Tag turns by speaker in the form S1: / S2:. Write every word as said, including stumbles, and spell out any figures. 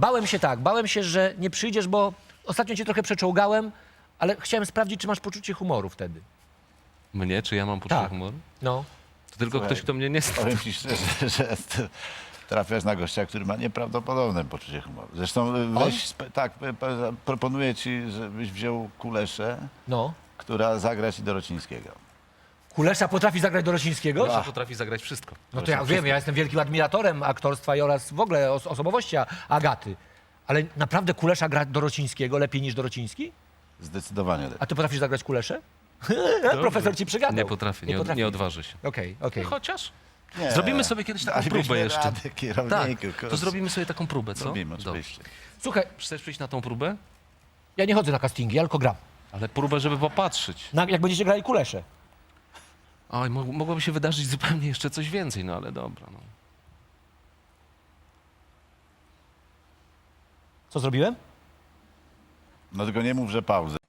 S1: Bałem się tak, bałem się, że nie przyjdziesz, bo ostatnio cię trochę przeczołgałem, ale chciałem sprawdzić, czy masz poczucie humoru wtedy.
S2: Mnie? Czy ja mam poczucie
S1: Tak.
S2: humoru?
S1: No.
S2: To tylko
S3: Słuchaj,
S2: ktoś, kto mnie nie zna.
S3: Powiem ci szczerze, że t- trafiasz na gościa, który ma nieprawdopodobne poczucie humoru. Zresztą y, weź, sp- tak, p- p- proponuję ci, żebyś wziął Kuleszę,
S1: No.
S3: która zagra ci Dorocińskiego.
S1: Kulesza potrafi zagrać Dorocińskiego?
S2: Że potrafi zagrać wszystko.
S1: No to ja wiem, ja jestem wielkim admiratorem aktorstwa i oraz w ogóle os osobowości Agaty. Ale naprawdę Kulesza gra Dorocińskiego lepiej niż Dorociński?
S3: Zdecydowanie lepiej.
S1: A ty potrafisz zagrać Kuleszę? Profesor ci przygadał.
S2: Nie potrafię, nie, od, nie odważy się.
S1: Okej, okej.
S2: Chociaż
S3: Nie,
S2: zrobimy sobie kiedyś taką
S3: dalibyśmy
S2: próbę jeszcze.
S3: radę,
S2: Tak,
S3: kierowniku,
S2: to
S3: kurczę.
S2: zrobimy sobie taką próbę, co?
S3: Zrobimy,
S2: Dobrze.
S3: oczywiście.
S1: Słuchaj,
S2: Chcesz przyjść na tą próbę?
S1: ja nie chodzę na castingi, ja tylko gram.
S2: Ale próbę, żeby popatrzeć.
S1: Na, jak będziecie grali Kuleszę.
S2: Oj, mo mogłoby się wydarzyć zupełnie jeszcze coś więcej, no ale dobra. No.
S1: Co zrobiłem?
S3: No tylko nie mów, że pauzę.